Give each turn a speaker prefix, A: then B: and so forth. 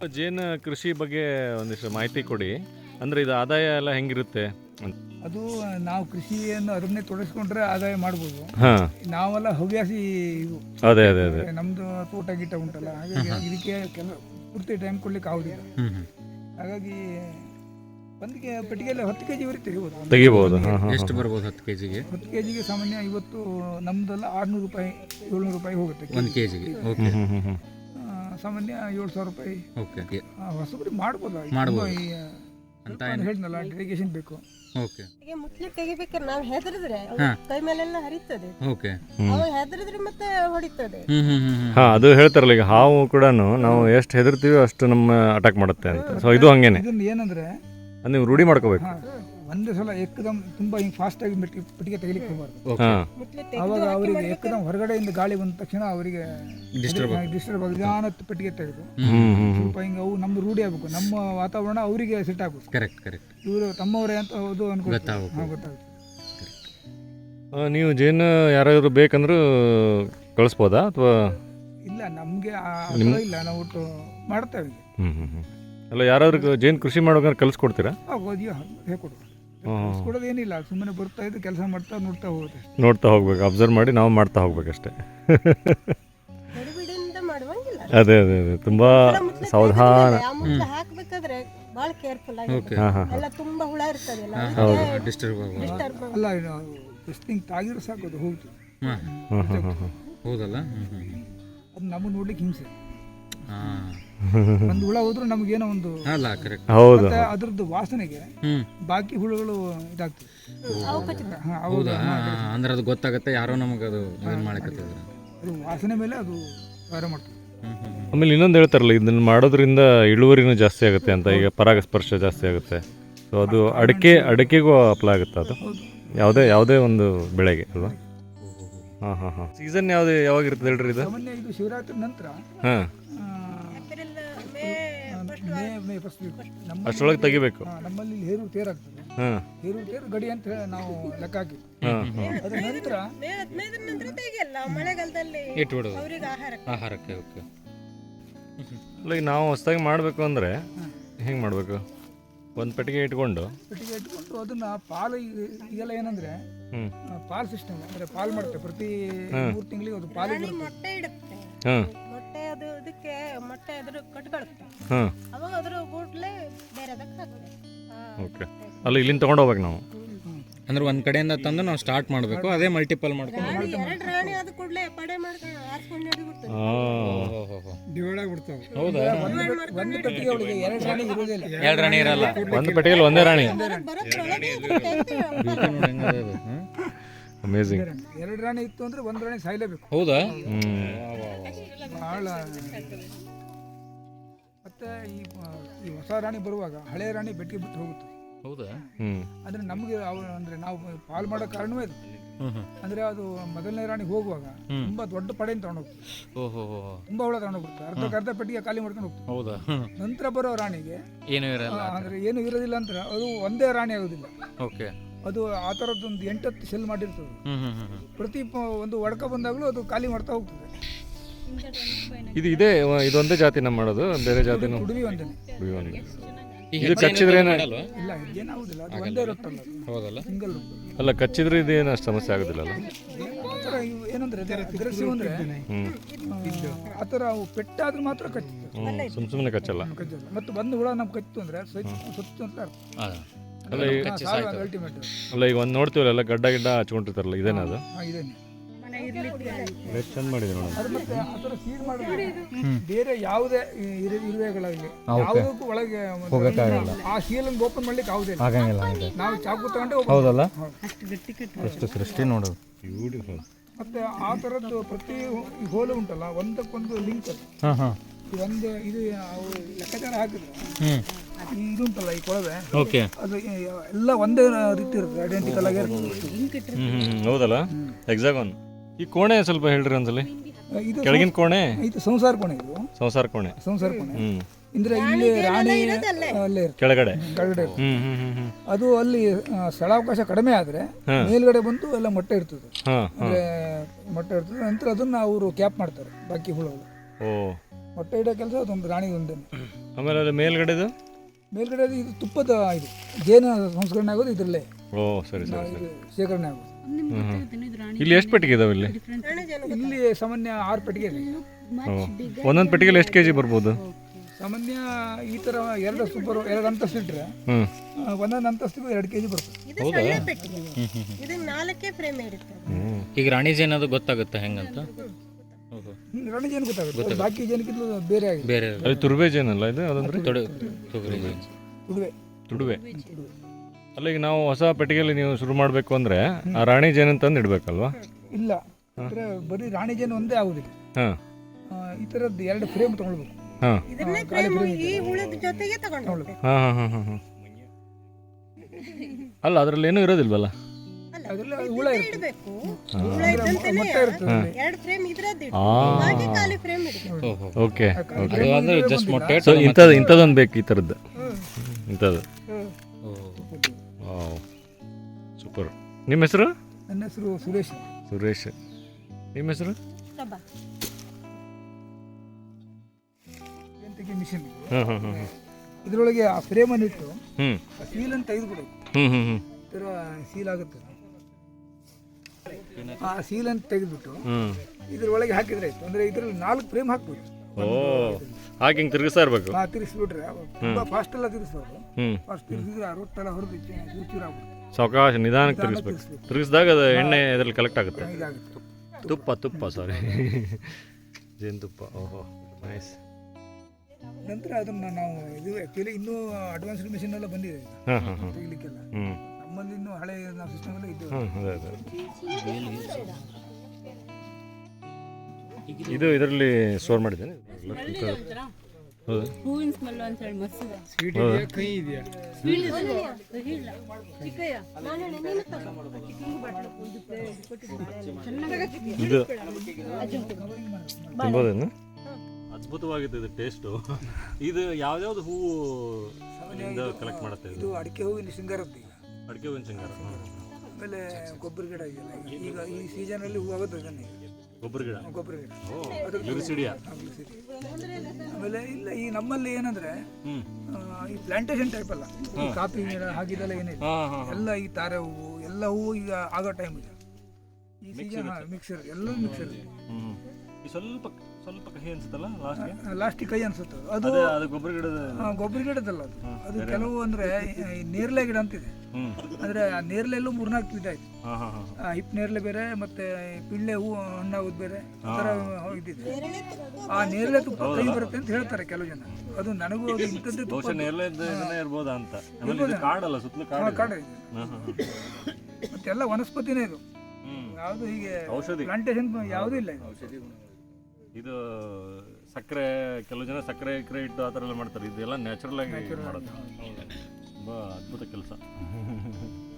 A: ಜೇನು ಕೃಷಿ ಬಗ್ಗೆ ಒಂದಿಷ್ಟು ಮಾಹಿತಿ ಕೊಡಿ. ಅಂದರೆ ಇದು ಆದಾಯ ಎಲ್ಲ ಹೆಂಗಿರುತ್ತೆ?
B: ಅದು ನಾವು ಕೃಷಿಯನ್ನು ಅದನ್ನೇ ತೊಡಗಿಸ್ಕೊಂಡ್ರೆ ಆದಾಯ ಮಾಡ್ಬೋದು.
A: ಹಾಂ,
B: ನಾವೆಲ್ಲ ಹವ್ಯಾಸಿ ಇವು.
A: ಅದೇ ಅದೇ ಅದೇ
B: ನಮ್ಮದು ತೋಟ ಗೀಟ ಉಂಟಲ್ಲ, ಹಾಗಾಗಿ ಇದಕ್ಕೆ ಪೂರ್ತಿ ಟೈಮ್ ಕೊಡ್ಲಿಕ್ಕೆ ಆಗೋದಿಲ್ಲ. ಹಾಗಾಗಿ ಒಂದಿಗೆ ಪೆಟ್ಟಿಗೆಯಲ್ಲಿ 10 kg ವರೆಗೆ
A: ತೆಗಿಬೋದು. ಹಾಂ ಹಾಂ,
C: ಎಷ್ಟು ಬರ್ಬೋದು 10 kgಗೆ?
B: 10 kgಗೆ ಸಾಮಾನ್ಯ ಇವತ್ತು ನಮ್ಮದೆಲ್ಲ 600 ರೂಪಾಯಿ 700 ರೂಪಾಯಿ ಹೋಗುತ್ತೆ
C: 1 kgಗೆ. ಓಕೆ.
B: ಸಾಮಾನ್ಯ 7,000 ರೂಪಾಯಿ.
C: ಓಕೆ,
B: ಹೊಸಬರಿ ಮಾಡ್ಬೋದು.
C: ಅಂತ
B: ಹೇಳಿದ್ನಲ್ಲ, ಡೆಡಿಕೇಶನ್ ಬೇಕು.
C: ಓಕೆ.
D: ಮುಟ್ಲಿ ತೆಗಿಬೇಕಾದ್ರೆ ನಾವು ಹೆದರಿದ್ರೆ ಕೈ ಮೇಲೆಲ್ಲ ಹರಿತದೆ.
C: ಓಕೆ.
D: ಅವಾಗ ಹೆದರಿದ್ರೆ ಮತ್ತೆ ಹೊಡಿತದೆ.
A: ಹಾಂ, ಅದು ಹೇಳ್ತಾರಲ್ಲ, ಈಗ ಹಾವು ಕೂಡ ನಾವು ಎಷ್ಟು ಹೆದರ್ತೀವಿ ಅಷ್ಟು ನಮ್ಮ ಅಟ್ಯಾಕ್ ಮಾಡುತ್ತೆ ಅಂತ. ಸೊ ಇದು ಹಂಗೇನೆ.
B: ಇದನ್ನ ಏನಂದ್ರೆ
A: ಅದು ನೀವು ರೂಢಿ ಮಾಡ್ಕೋಬೇಕು.
B: ಒಂದೇ ಸಲ ಏಕದಮ್ ತುಂಬಾ ಹಿಂಗೆ ಫಾಸ್ಟ್ ಆಗಿ ಪೆಟ್ಟಿಗೆ ತೆಗಿಲಿಕ್ಕೆ ಹೋಗಬಾರ್ದು.
A: ಹಾಂ,
B: ಅವಾಗ ಅವರಿಗೆ ಏಕದಮ್ ಹೊರಗಡೆಯಿಂದ ಗಾಳಿ ಬಂದ ತಕ್ಷಣ ಅವರಿಗೆ ಡಿಸ್ಟರ್ಬ್ ಆಗಿ ನಿಧಾನ ಪೆಟ್ಟಿಗೆ ತೆಗೆದು ಸ್ವಲ್ಪ ಹಿಂಗೆ ಅವು ನಮ್ಮ ರೂಢಿ ಆಗ್ಬೇಕು. ನಮ್ಮ ವಾತಾವರಣ ಅವರಿಗೆ ಸೆಟ್ ಆಗ್ಬೇಕು.
C: ಕರೆಕ್ಟ್.
B: ಇವರು ತಮ್ಮವರೇ ಅಂತ ಹೌದು ಅನ್ಕೊಳ್ತಾರೆ. ಗೊತ್ತಾಗುತ್ತೆ.
A: ನೀವು ಜೇನು ಯಾರಾದರೂ ಬೇಕಂದ್ರೂ ಕಳಿಸ್ಬೋದಾ ಅಥವಾ
B: ಇಲ್ಲ, ನಮಗೆ ಇಲ್ಲ, ನಾವು ಒಟ್ಟು ಮಾಡ್ತೇವೆ.
A: ಅಲ್ಲ, ಯಾರಾದ್ರೂ ಜೇನು ಕೃಷಿ ಮಾಡೋಕೆ ಕಲಿಸ್ಕೊಡ್ತೀರಾ?
B: ಹೇಳ್ಕೊಡು. ಕೊಡೋದೇನಿಲ್ಲ, ಸುಮ್ಮನೆ ಬರ್ತಾ ಇದ್ದು ಕೆಲಸ ಮಾಡ್ತಾ
A: ನೋಡ್ತಾ ಹೋಗ್ಬೇಕು, ಅಬ್ಸರ್ವ್ ಮಾಡಿ ನಾವು ಮಾಡ್ತಾ ಹೋಗ್ಬೇಕಷ್ಟೇ. ಅದೇ ಅದೇ ಅದೇ ತುಂಬಾ ಸಾವಧಾನ.
D: ಹಾಕ್ಬೇಕಾದ್ರೆ ಬಹಳ ಕೇರ್ಫುಲ್ ಆಗಿ ಎಲ್ಲ ತುಂಬಾ ಹುಳ ಇರ್ತದೆ.
B: ಅಲ್ಲ, ಟೆಸ್ಟಿಂಗ್ ತಾಗಿದ್ರೆ ಸಾಕು, ಅದು ಹೋಗ್ತದೆ.
C: ಹೌದಲ್ಲ,
B: ಅದು ನಮಗೆ ನೋಡ್ಲಿಕ್ಕೆ ಹಿಂಸೆ. ಒಂದು ಹುಳ ಹೋದ್ರೂ ನಮಗೇನೋ ಒಂದು
A: ಹೌದು,
B: ಅದ್ರದ್ದು ವಾಸನೆಗೆ ಬಾಕಿ ಹುಳುಗಳು ಇದಾಗ್ತದೆ.
C: ಅಂದ್ರೆ ಅದು ಗೊತ್ತಾಗುತ್ತೆ, ಯಾರೋ ನಮಗೆ ಅದು
B: ಅದು ವಾಸನೆ ಮೇಲೆ ಅದು ವ್ಯವಹಾರ ಮಾಡ್ತದೆ.
A: ಆಮೇಲೆ ಇನ್ನೊಂದು ಹೇಳ್ತಾರಲ್ಲ, ಇದನ್ನ ಮಾಡೋದ್ರಿಂದ ಇಳುವರಿನೂ ಜಾಸ್ತಿ ಆಗುತ್ತೆ ಅಂತ. ಈಗ ಪರಾಗಸ್ಪರ್ಶ ಜಾಸ್ತಿ ಆಗುತ್ತೆ. ಸೊ ಅದು ಅಡಿಕೆಗೂ ಅಪ್ಲೈ ಆಗುತ್ತೆ. ಅದು ಯಾವುದೇ ಒಂದು ಬೆಳೆಗೆ ಅಲ್ವಾ? ಹಾಂ ಹಾಂ ಹಾಂ. ಸೀಸನ್ ಯಾವಾಗ ಇರ್ತದೆ ಹೇಳ್ರಿ ಇದು?
B: ಸಾಮಾನ್ಯ ಇದು ಶಿವರಾತ್ರಿ ನಂತರ.
A: ಹಾಂ, ಮೇ ಫಸ್ಟ್ ಅಷ್ಟರೊಳಗೆ ತೆಗಿಬೇಕು.
B: ನಮ್ಮಲ್ಲಿ ಹೇರೂರು ತೇರು ಆಗ್ತದೆ. ಹೇರೂರು ತೇರು ಗಡಿ ಅಂತ ಹೇಳಿ ನಾವು ಲೆಕ್ಕ ಹಾಕಿ ಅದ್ರ ನಂತರ
D: ಮಳೆಗಾಲದಲ್ಲಿ
C: ಆಹಾರಕ್ಕೆ. ಓಕೆ.
A: ಈಗ ನಾವು ಹೊಸದಾಗಿ ಮಾಡಬೇಕು ಅಂದರೆ ಹೆಂಗೆ ಮಾಡಬೇಕು? ಒಂದು ಪೆಟ್ಟಿಗೆ ಇಟ್ಕೊಂಡು
B: ಅದನ್ನ ಪಾಲು, ಈಗೆಲ್ಲ ಏನಂದ್ರೆ ಪಾಲ್ ಸಿಸ್ಟಮ್, ಅಂದ್ರೆ ಪಾಲ್ ಮಾಡ್ತೇವೆ. ಪ್ರತಿ 3 ತಿಂಗಳಿಗೆ ಅದು ಪಾಲು
D: ಮೊಟ್ಟೆ ಇಡುತ್ತೆ. ಮೊಟ್ಟೆ ಅದು ಇದಕ್ಕೆ ಮೊಟ್ಟೆ ಅದ್ರ ಕಟ್ಕೊಳುತ್ತೆ. ಅವಾಗ ಅದ್ರ ಗೂಡ್ಲೆ ಬೇರೆದಕ್ಕೆ ಹಾಕ್ತೇವೆ.
A: ಓಕೆ. ಅಲ್ಲ, ಇಲ್ಲಿಂದ ತಗೊಂಡು ಹೋಗ್ಬೇಕು ನಾವು.
C: ಅಂದ್ರೆ ಒಂದ್ ಕಡೆಯಿಂದ ತಂದು ನಾವು ಸ್ಟಾರ್ಟ್ ಮಾಡಬೇಕು, ಅದೇ ಮಲ್ಟಿಪಲ್ ಮಾಡ್ಕೊಂಡು
D: 2 ರಾಣಿ ಆದ ಕೂಡಲೇ ಪಡೆ ಮಾಡ್ಕೊಂಡು ಆರಿಸ್ಕೊಂಡು ಹಿಡಿಬಿಡ್ತದೆ.
B: ಡಿವೈಡ್ ಆಗಿಬಿಡ್ತಾವೆ.
C: ಹೌದಾ?
B: ಒಂದು ಪೆಟ್ಟಿಗೆ ಒಳಗೆ 2 ರಾಣಿ ಇರೋದಿಲ್ಲ.
C: 2 ರಾಣಿ ಇರಲ್ಲ.
A: ಒಂದು ಪೆಟ್ಟಿಗೆಯಲ್ಲಿ ಒಂದೇ ರಾಣಿ. ಅಮೇಜಿಂಗ್.
B: 2 ರಾಣಿ ಇತ್ತು ಅಂದ್ರೆ 1 ರಾಣಿ ಸಾಯ್ಲೇಬೇಕು.
C: ಹೌದಾ?
B: ಬಹಳ. ಮತ್ತೆ ಈ ಹೊಸ ರಾಣಿ ಬರುವಾಗ ಹಳೆ ರಾಣಿ ಬೆಟ್ಟಿಗೆ ಬಿಟ್ಟು ಹೋಗುತ್ತೆ.
C: ಹೌದಾ?
B: ಅಂದ್ರೆ ನಮಗೆ ಅಂದ್ರೆ ನಾವು ಪಾಲ್ ಮಾಡೋ ಕಾರಣವೇ ಅದು. ಅಂದ್ರೆ ಅದು ಮೊದಲನೇ ರಾಣಿ ಹೋಗುವಾಗ ತುಂಬಾ ದೊಡ್ಡ ಪಡೆಯನ್ನು ತಗೊಂಡೋಗ್ತದೆ. ತುಂಬಾ ಹುಳ ತಗೊಂಡೋಗ್ಬಿಡ್ತಾರೆ. ಅರ್ಧ ಪೆಟ್ಟಿಗೆ ಖಾಲಿ ಮಾಡ್ಕೊಂಡು ಹೋಗ್ತದೆ.
C: ಹೌದಾ?
B: ನಂತರ ಬರೋ ರಾಣಿಗೆ
C: ಏನು ಇರಲ್ಲ,
B: ಅಂದ್ರೆ ಏನು ಇರೋದಿಲ್ಲ ಅಂತ ಅದು ಒಂದೇ ರಾಣಿ ಆಗೋದಿಲ್ಲ.
C: ಓಕೆ.
B: ಅದು ಆ ಥರದ್ದೊಂದು 8-10 ಸೆಲ್ ಮಾಡಿರ್ತದೆ. ಪ್ರತಿ ಒಂದು ಒಡಕ ಬಂದಾಗಲೂ ಅದು ಖಾಲಿ ಮಾಡ್ತಾ ಹೋಗ್ತದೆ.
A: ಇದೊಂದೇ ಜಾತಿನ ಮಾಡೋದು? ಬೇರೆ ಜಾತಿನ?
B: ಕುಡುವಿ ಒಂದೇ.
A: ಇದು ಕಚ್ಚಿದ್ರೆ
B: ಇಲ್ಲ, ಏನಾಗುದಿಲ್ಲ, ಅದು ಒಂದೇ ಇರುತ್ತಲ್ಲ.
C: ಹೌದಲ್ಲ?
B: ಸಿಂಗಲ್.
A: ಅಲ್ಲ, ಕಚ್ಚಿದ್ರೆ ಇದೇನು ಅಷ್ಟು ಸಮಸ್ಯೆ ಆಗೋದಿಲ್ಲ ಅಲ್ಲ?
B: ಏನಂದ್ರೆ ಅಗ್ರೆಸಿವ್ ಅಂದ್ರೆ ಆ ಥರ ಅವು ಪೆಟ್ಟಾದ್ರೂ ಮಾತ್ರ ಕಚ್ಚುತ್ತೆ.
A: ಸುಮ್ಮನೆ ಕಚ್ಚಲ್ಲ.
B: ಮತ್ತು ಒಂದು ಹುಳ ನಮ್ಗೆ ಕಚ್ಚಿತು ಅಂದ್ರೆ ಸುತ್ತು ಅಂತ ಅರ್ಥ. ಅಲ್ಟಿಮೇಟ್.
A: ಅಲ್ಲ, ಈಗ ಒಂದು ನೋಡ್ತೀವಲ್ಲ, ಗಡ್ಡ ಹಚ್ಕೊಂಡಿರ್ತಾರಲ್ಲ, ಇದೇನಾ ಅದು?
B: ಇದೇನೆ.
A: ಚಂದ ಮಾಡಿದೆ ನೋಡಿ.
B: ಅದು ಮತ್ತೆ ಆ ಥರ ಸೀಲ್ ಮಾಡಿದ್ರೆ ಬೇರೆ ಯಾವುದೇ ಇರುವೆಗಳಾಗಲಿ ಯಾವುದಕ್ಕೂ ಒಳಗೆ ಆ ಸೀಲನ್ನು ಓಪನ್ ಮಾಡ್ಲಿಕ್ಕೆ ಆಗುದಿಲ್ಲ. ನಾವು ಚಾಕು ತಗೊಂಡು.
C: ಹೌದಲ್ಲ? ಎಷ್ಟು ಸೃಷ್ಟಿ ನೋಡು.
A: ಬ್ಯೂಟಿಫುಲ್.
B: ಮತ್ತೆ ಆ ಥರದ್ದು ಪ್ರತಿ ಹೋಲು ಉಂಟಲ್ಲ, ಒಂದಕ್ಕೊಂದು ಲಿಂಕ್ ಅದು. ಒಂದು ಇದು ಲೆಕ್ಕಾಚಾರ ಹಾಕಿದ್ರೆ ಇದು ಉಂಟಲ್ಲ, ಈ ಕೊಳವೆ, ಅದು ಎಲ್ಲ ಒಂದೇ ರೀತಿ ಇರುತ್ತೆ, ಐಡೆಂಟಿಕಲ್ ಆಗಿ ಇರುತ್ತೆ.
A: ಹೌದಲ್ಲ? ಎಕ್ಸಾಗಾನ್. ಈ ಕೋಣೆ ಸ್ವಲ್ಪ ಹೇಳ್ರಿ ಒಂದ್ಸಲಿ. ಕೆಳಗಿನ ಕೋಣೆ
B: ಇದು ಸಂಸಾರ ಕೋಣೆ. ಇದು
A: ಸಂಸಾರ ಕೋಣೆ.
B: ಅಂದ್ರೆ ಇಲ್ಲಿ ರಾಣಿ ಅಲ್ಲೇ
A: ಕೆಳಗಡೆ.
B: ಅದು ಅಲ್ಲಿ ಸ್ಥಳಾವಕಾಶ ಕಡಿಮೆ ಆದ್ರೆ ಮೇಲ್ಗಡೆ ಬಂದು ಎಲ್ಲ ಮೊಟ್ಟೆ ಇರ್ತದೆ. ಅಂದ್ರೆ ಮೊಟ್ಟೆ ಇರ್ತದೆ. ನಂತರ ಅದನ್ನ ಅವರು ಕ್ಯಾಪ್ ಮಾಡ್ತಾರೆ ಬಾಕಿ ಹುಳುಗಳು.
A: ಓ,
B: ಮೊಟ್ಟೆ ಇಡೋ ಕೆಲಸ ಅದೊಂದು ರಾಣಿ ಒಂದೇ.
A: ಆಮೇಲೆ ಅಲ್ಲಿ ಮೇಲ್ಗಡೆದು?
B: ಮೇಲ್ಗಡೆ ಇದು ತುಪ್ಪದ ಇದು ಜೇನು ಸಂಸ್ಕರಣೆ ಆಗೋದು ಇದರಲ್ಲೇ,
A: ಓ ಸರಿ ಸರಿ ಸರಿ.
B: ಇದು ಶೇಖರಣೆ ಆಗೋದು.
A: ಇಲ್ಲಿ ಎಷ್ಟು ಪೆಟ್ಟಿಗೆ ಇದಾವೆ ಇಲ್ಲಿ?
B: ಇಲ್ಲಿ ಸಾಮಾನ್ಯ 6 ಪೆಟ್ಟಿಗೆ ಇದೆ.
A: ಓ, ಒಂದೊಂದು ಪೆಟ್ಟಿಗೆಲಿ ಎಷ್ಟು ಕೆಜಿ ಬರ್ಬೋದು?
B: ಸಾಮಾನ್ಯ ಈ ಥರ 2 ಅಂತಸ್ತು ಇಟ್ಟರೆ
A: ಹ್ಞೂ,
B: ಒಂದೊಂದು ಅಂತಸ್ತಿಗೂ 2 kg ಬರ್ತದೆ.
D: ಇದು ಸಣ್ಣ ಪೆಟ್ಟಿಗೆ, ಇದು 4 ಫ್ರೇಮ್ ಇರುತ್ತೆ.
C: ಈಗ ರಾಣಿ ಜೇನು ಅದು ಗೊತ್ತಾಗುತ್ತೆ ಹೆಂಗಂತ?
B: ರಾಣಿ ಜೇನು ಗೊತ್ತಾಗುತ್ತೆ, ಬಾಕಿ ಜೇನುಕ್ಕಿಂತ ಬೇರೆ ಆಗಿದೆ.
C: ಬೇರೆ
A: ಅದು ತುರುವೆ ಜೇನಲ್ಲ ಇದು? ಅದಂದ್ರೆ
C: ತೊಗರಿ ಜೇನು.
B: ತುಡುವೆ.
A: ಅಲ್ಲ, ಈಗ ನಾವು ಹೊಸ ಪೆಟ್ಟಿಗೆಯಲ್ಲಿ ನೀವು ಶುರು ಮಾಡಬೇಕು ಅಂದರೆ ಆ ರಾಣಿ ಜೇನು ತಂದು ಇಡಬೇಕಲ್ವಾ?
B: ಇಲ್ಲ, ಅಂದರೆ ಬರೀ ರಾಣಿ ಜೇನು ಒಂದೇ ಆಗುದಿಲ್ಲ.
A: ಹಾಂ,
B: ಈ ಥರದ್ದು 2 ಫ್ರೇಮ್ ತೊಗೊಳ್ಬೇಕು.
A: ಹಾಂ
D: ಇದನ್ನೇ ಫ್ರೇಮ್ ಈ ಹುಳದ ಜೊತೆಗೆ ತಗೊಂಡು ಹೋಗ್ಬೇಕು.
A: ಹಾಂ ಹಾಂ ಹಾಂ ಹಾಂ ಹಾಂ. ಅಲ್ಲ, ಅದರಲ್ಲಿ ಏನೂ ಇರೋದಿಲ್ವಲ್ಲ?
B: ಅದರಲ್ಲಿ ಹುಳ ಇರುತ್ತೆ,
D: ಇಡಬೇಕು. ಹುಳ ಇದ್ದಂತೆನೇ
B: ಮೊಟ್ಟೆ ಇರ್ತದೆ.
D: 2 ಫ್ರೇಮ್ ಇದ್ರದ್ದು ಇಡು,
A: ಆ.
D: ಹಾಗೆ ಖಾಲಿ ಫ್ರೇಮ್ ಇಡಬೇಕು.
A: ಓಕೆ.
C: ಅದು ಅಂದ್ರೆ ಜಸ್ಟ್ ಮೊಟ್ಟೆ
A: ಸೊ ಇಂಥದ್ದೊಂದು ಬೇಕು, ಈ ಥರದ್ದು ಇಂಥದ್ದು. Wow, super. ನಿಮ್ಮ ಹೆಸರು?
B: ನನ್ನ ಹೆಸರು ಸುರೇಶ್.
A: ಸುರೇಶ್. ನಿಮ್ಮ ಹೆಸರು?
D: ಪ್ರಭಾ.
B: ಜೇನುತುಗೆ ಮಿಷನ್ ಇದು.
A: ಹಾಂ ಹಾಂ ಹಾಂ.
B: ಇದರೊಳಗೆ ಆ ಫ್ರೇಮನ್ನು ಇಟ್ಟು
A: ಹ್ಞೂ
B: ಆ ಸೀಲನ್ನು ತೆಗೆದುಬಿಡಬೇಕು.
A: ಹ್ಞೂ ಹ್ಞೂ ಹ್ಞೂ
B: ಈ ಥರ ಸೀಲ್ ಆಗುತ್ತೆ. ಆ ಸೀಲನ್ನು ತೆಗೆದುಬಿಟ್ಟು
A: ಹ್ಞೂ.
B: ಇದರೊಳಗೆ ಹಾಕಿದ್ರೆ ಆಯ್ತು. ಅಂದರೆ ಇದರಲ್ಲಿ 4 ಫ್ರೇಮ್ ಹಾಕ್ಬೋದು.
A: ಓ, ಹಾಗೆ ಹಿಂಗೆ ತಿರುಗಿಸ್ತಾ ಇರಬೇಕು.
B: ತಿರ್ಗಿಸ್ಬಿಟ್ರೆ ತುಂಬ ಫಾಸ್ಟ್ ಎಲ್ಲ ತಿರ್ಗಿಸ್ಬಾರ್ದು.
A: ಹ್ಞೂ,
B: ಫಾಸ್ಟ್ ತಿರ್ಗಿಸಿದ್ರೆ ಆ ರೊಟ್ಟೆಲ್ಲ ಹೊರದು ಚೂರು ಆಗ್ಬಿಡುತ್ತೆ.
A: ಸಾವಕಾಶ ನಿಧಾನಕ್ಕೆ ತಿರುಗಿಸ್ಬೇಕು. ತಿರುಗಿಸಿದಾಗ ಅದು ಎಣ್ಣೆ ಇದರಲ್ಲಿ ಕಲೆಕ್ಟ್ ಆಗುತ್ತೆ.
B: ಇದಾಗುತ್ತೆ.
A: ತುಪ್ಪ ಸಾರಿ ಜೇನುತುಪ್ಪ. ಓಹೋ, ನೈಸ್.
B: ನಂತರ ಅದನ್ನು ನಾವು ಇದು ಆ್ಯಕ್ಚುಲಿ ಇನ್ನೂ ಅಡ್ವಾನ್ಸ್ಡ್ ಮಿಷಿನ್ ಎಲ್ಲ ಬಂದಿದೆ ಈಗ
A: ಹಾಂ ಹಾಂ ಹಾಂ.
B: ತೆಗಿಲಿಕ್ಕೆಲ್ಲ.
A: ಹ್ಞೂ
B: ನಮ್ಮಲ್ಲಿ ಇನ್ನೂ ಹಳೆ ನಾವು ಸಿಸ್ಟಮ್ ಎಲ್ಲ ಇದ್ದೇವೆ.
A: ಹಾಂ, ಅದೇ ಅದೇ. ಇದು ಇದರಲ್ಲಿ ಸ್ಟೋರ್ ಮಾಡಿದ್ದೇನೆ. ಹೌದು.
E: ಹೂವಿನ ಸ್ಮೆಲ್ ಅಂತ ಹೇಳಿ ಮಸ್ತ್
B: ಸ್ವೀಟ್ ಇದೆಯಾ, ಕಹಿ ಇದೆಯಾ?
A: ಇದು ತಿನ್ಬೋದೇನು? ಅದ್ಭುತವಾಗಿತ್ತು ಇದು ಟೇಸ್ಟು. ಇದು ಯಾವ್ದಾವ್ದು ಹೂವು ಕಲೆಕ್ಟ್ ಮಾಡುತ್ತೆ ಇದು?
B: ಇದು ಅಡಿಕೆ ಹೂವಿನ ಶೃಂಗಾರದ್ದು ಈಗ.
A: ಅಡಿಕೆ ಹೂವಿನ ಶೃಂಗಾರ.
B: ಆಮೇಲೆ ಗೊಬ್ಬರ ಗಿಡ ಇದೆಯಲ್ಲ, ಈಗ ಈ ಸೀಸನಲ್ಲಿ ಹೂ ಆಗೋದು ಅದನ್ನೇ
A: ಗೊಬ್ಬರ ಗಿಡ.
B: ಗೊಬ್ಬರ ಗಿಡ.
A: ಗ್ಲಿರಿಸಿಡಿಯಾ.
B: ಆಮೇಲೆ ಇಲ್ಲ, ಈ ನಮ್ಮಲ್ಲಿ ಏನಂದ್ರೆ
A: ಹ್ಞೂ.
B: ಈ ಪ್ಲಾಂಟೇಶನ್ ಟೈಪ್ ಅಲ್ಲ, ಈ ಕಾಫಿ ಗಿಡ ಹಾಗಿದೆಲ್ಲ ಏನಿಲ್ಲ,
A: ಹಾಂ ಹಾಂ.
B: ಎಲ್ಲ ಈ ತಾರೆ ಹೂವು ಎಲ್ಲ ಹೂವು ಈಗ ಆಗೋ ಟೈಮ್ ಇದೆ ಈ ಸೀಸನ್. ಮಿಕ್ಸರ್ ಎಲ್ಲರೂ ಮಿಕ್ಸರ್ ಇದೆ.
A: ಹ್ಞೂ. ಈ ಸ್ವಲ್ಪ ಸ್ವಲ್ಪ ಕಹಿ ಅನ್ಸುತ್ತಲ್ಲ ಲಾಸ್ಟ್ಗೆ?
B: ಲಾಸ್ಟಿಗೆ ಕೈ ಅನ್ಸುತ್ತೆ ಅದು.
A: ಅದು ಗೊಬ್ಬರ ಗಿಡದ.
B: ಗೊಬ್ಬರ ಗಿಡದಲ್ಲ ಅದು. ಅದು ಕೆಲವು ಅಂದ್ರೆ ಈ ನೇರಳೆ ಗಿಡ ಅಂತಿದೆ.
A: ಹ್ಞೂ.
B: ಅಂದ್ರೆ ಆ ನೇರಳೆಲ್ಲೂ 3-4 ವಿಧ ಆಯ್ತು.
A: ಹಾಂ ಹಾಂ ಹಾಂ.
B: ಹಿಪ್ ನೇರಳೆ ಬೇರೆ, ಮತ್ತೆ ಪಿಳ್ಳೆ ಹೂ ಹಣ್ಣಾಗೋದು ಬೇರೆ, ಆ ಥರ ಇದ್ದಿದೆ. ಆ ನೇರಳೆ ತುಪ್ಪ ಕೈ ಬರುತ್ತೆ ಅಂತ ಹೇಳ್ತಾರೆ ಕೆಲವು ಜನ. ಅದು ನನಗೂ ಅದು ಇಂಥದ್ದು ತುಪ್ಪ
A: ಬಹುಶಃ ನೇರಳೆ ಇದನ್ನೇ ಇರ್ಬೋದಾ ಅಂತ. ಆಮೇಲೆ ಇದು ಕಾಡಲ್ಲ, ಸುತ್ತಲೂ ಕಾಡು.
B: ಕಾಡ ಇದೆ.
A: ಹಾಂ ಹಾಂ.
B: ಮತ್ತೆಲ್ಲ ವನಸ್ಪತಿನೇ ಇದು. ಯಾವುದು ಹೀಗೆ
A: ಔಷಧಿ
B: ಪ್ಲಾಂಟೇಶನ್ ಯಾವುದೂ ಇಲ್ಲ ಇದು.
A: ಇದು ಸಕ್ಕರೆ, ಕೆಲವು ಜನ ಸಕ್ಕರೆ ಇಟ್ಟು ಆ ಥರ ಎಲ್ಲ ಮಾಡ್ತಾರೆ. ಇದೆಲ್ಲ ನ್ಯಾಚುರಲ್ ಆಗಿ ಮಾಡೋದು. ತುಂಬ ಅದ್ಭುತ ಕೆಲಸ.